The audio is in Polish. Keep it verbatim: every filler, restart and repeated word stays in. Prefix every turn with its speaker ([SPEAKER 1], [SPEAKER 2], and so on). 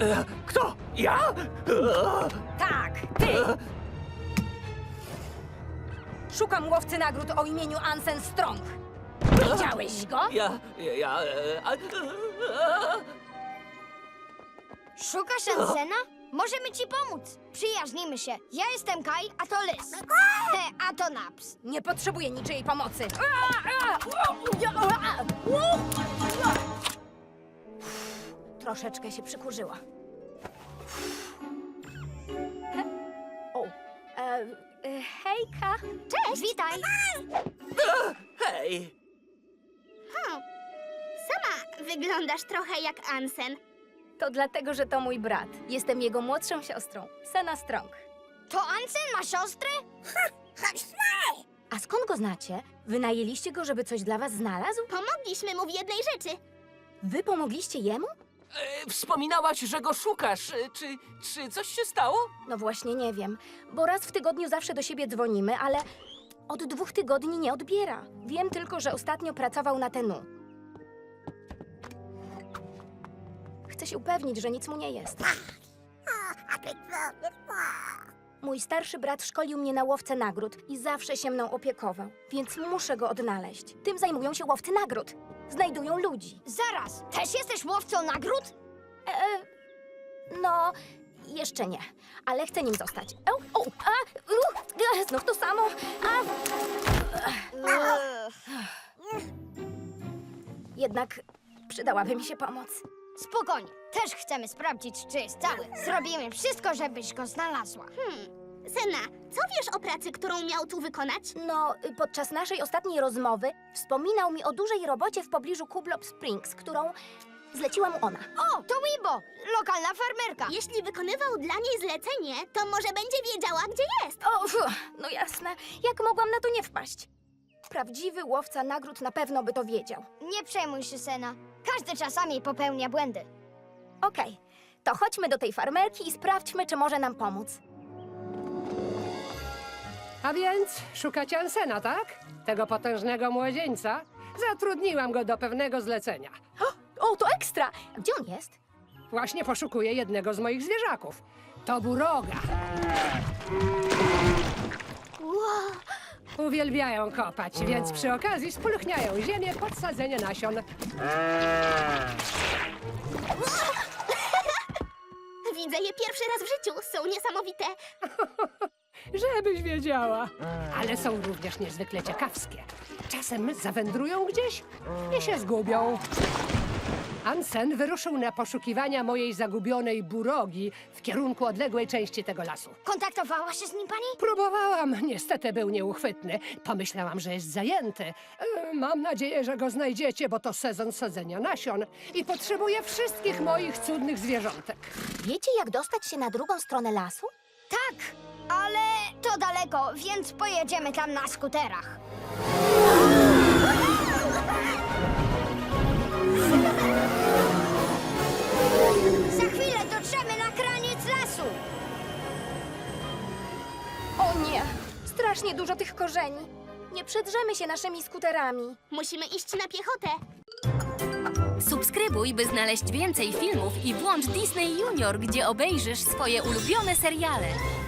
[SPEAKER 1] E, Kto? Ja? E,
[SPEAKER 2] Tak, ty! Szukam łowcy nagród o imieniu Ansen Strong. Widziałeś go?
[SPEAKER 1] Ja, ja, ja... e, a- e,
[SPEAKER 3] Szukasz Ansena? Możemy ci pomóc. Przyjaźnimy się. Ja jestem Kai, a to Lys. He, a to Naps.
[SPEAKER 2] Nie potrzebuję niczyjej pomocy. Troszeczkę się przykurzyła. O, e, e, hejka.
[SPEAKER 3] Cześć! Witaj!
[SPEAKER 1] Hej!
[SPEAKER 3] Sama wyglądasz trochę jak Ansen.
[SPEAKER 2] To dlatego, że to mój brat. Jestem jego młodszą siostrą, Sena Strong.
[SPEAKER 3] To Ansen ma siostrę?
[SPEAKER 2] A skąd go znacie? Wynajęliście go, żeby coś dla was znalazł?
[SPEAKER 3] Pomogliśmy mu w jednej rzeczy.
[SPEAKER 2] Wy pomogliście jemu?
[SPEAKER 1] E, Wspominałaś, że go szukasz. E, Czy, czy coś się stało?
[SPEAKER 2] No właśnie nie wiem, bo raz w tygodniu zawsze do siebie dzwonimy, ale od dwóch tygodni nie odbiera. Wiem tylko, że ostatnio pracował na Tenu. Chcę się upewnić, że nic mu nie jest. Mój starszy brat szkolił mnie na łowcę nagród i zawsze się mną opiekował, więc muszę go odnaleźć. Tym zajmują się łowcy nagród. Znajdują ludzi.
[SPEAKER 3] Zaraz, też jesteś łowcą nagród?
[SPEAKER 2] E, no, jeszcze nie, ale chcę nim zostać. O, o, a, u, e, znów to samo. A, jednak przydałaby mi się pomoc.
[SPEAKER 3] Spokojnie, też chcemy sprawdzić, czy jest cały. Zrobimy wszystko, żebyś go znalazła.
[SPEAKER 4] Hmm. Sena, co wiesz o pracy, którą miał tu wykonać?
[SPEAKER 2] No, y, podczas naszej ostatniej rozmowy wspominał mi o dużej robocie w pobliżu Kublop Springs, którą zleciła mu ona.
[SPEAKER 3] O, to Wibo, lokalna farmerka.
[SPEAKER 4] Jeśli wykonywał dla niej zlecenie, to może będzie wiedziała, gdzie jest.
[SPEAKER 2] O, fu, no jasne, jak mogłam na to nie wpaść? Prawdziwy łowca nagród na pewno by to wiedział.
[SPEAKER 3] Nie przejmuj się, Sena. Każdy czasami popełnia błędy.
[SPEAKER 2] Okej, to chodźmy do tej farmerki i sprawdźmy, czy może nam pomóc.
[SPEAKER 5] A więc szukacie Ansena, tak? Tego potężnego młodzieńca? Zatrudniłam go do pewnego zlecenia.
[SPEAKER 2] O, to ekstra! Gdzie on jest?
[SPEAKER 5] Właśnie poszukuję jednego z moich zwierzaków. To buroga. Uwielbiają kopać, więc przy okazji spulchniają ziemię pod sadzenie nasion.
[SPEAKER 4] Widzę je pierwszy raz w życiu. Są niesamowite.
[SPEAKER 5] Żebyś wiedziała. Ale są również niezwykle ciekawskie. Czasem zawędrują gdzieś i się zgubią. Ansen wyruszył na poszukiwania mojej zagubionej burogi w kierunku odległej części tego lasu.
[SPEAKER 3] Kontaktowała się z nim pani?
[SPEAKER 5] Próbowałam, niestety był nieuchwytny. Pomyślałam, że jest zajęty. E, Mam nadzieję, że go znajdziecie, bo to sezon sadzenia nasion i potrzebuję wszystkich moich cudnych zwierzątek.
[SPEAKER 2] Wiecie, jak dostać się na drugą stronę lasu?
[SPEAKER 3] Tak, ale to daleko, więc pojedziemy tam na skuterach. Za chwilę dotrzemy na kraniec lasu.
[SPEAKER 2] O nie! Strasznie dużo tych korzeni. Nie przedrzemy się naszymi skuterami.
[SPEAKER 4] Musimy iść na piechotę.
[SPEAKER 6] Subskrybuj, by znaleźć więcej filmów i włącz Disney Junior, gdzie obejrzysz swoje ulubione seriale.